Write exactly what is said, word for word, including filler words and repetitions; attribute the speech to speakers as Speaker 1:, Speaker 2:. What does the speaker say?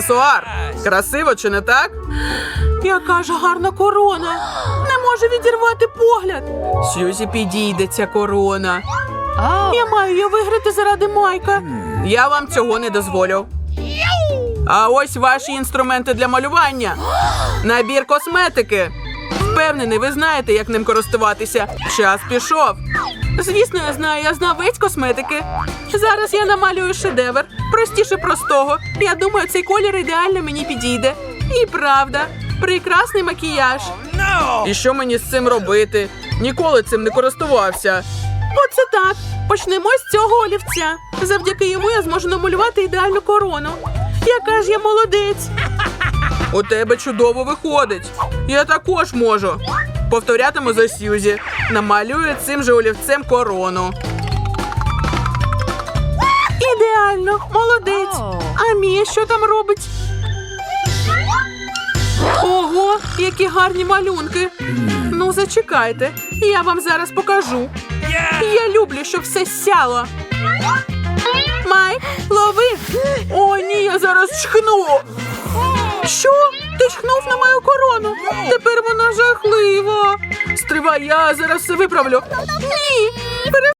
Speaker 1: Аксесуар. Красиво, чи не так? Яка ж гарна корона. Не можу відірвати погляд. Сьюзі, підійде ця корона. Я маю її виграти заради Майка. Я вам цього не дозволю. А ось ваші інструменти для малювання. Набір косметики. Впевнений, ви знаєте, як ним користуватися. Час пішов. Звісно, я знаю, я знавець косметики. Зараз я намалюю шедевр. Простіше простого. Я думаю, цей колір ідеально мені підійде. І правда, прекрасний макіяж. І що мені з цим робити? Ніколи цим не користувався. Оце так. Почнемо з цього олівця. Завдяки йому я зможу намалювати ідеальну корону. Яка ж я молодець. У тебе чудово виходить. Я також можу. Повторятиму за Сьюзі. Намалюю цим же олівцем корону. Ідеально. Молодець. А Мія що там робить? Ого, які гарні малюнки. Ну, зачекайте. Я вам зараз покажу. Я люблю, щоб все сяло. Майк, лови. О, ні, я зараз чхну. Що? Ти чхнув на мою корону? Тепер вона жахлива. Стривай, я зараз все виправлю. Ні,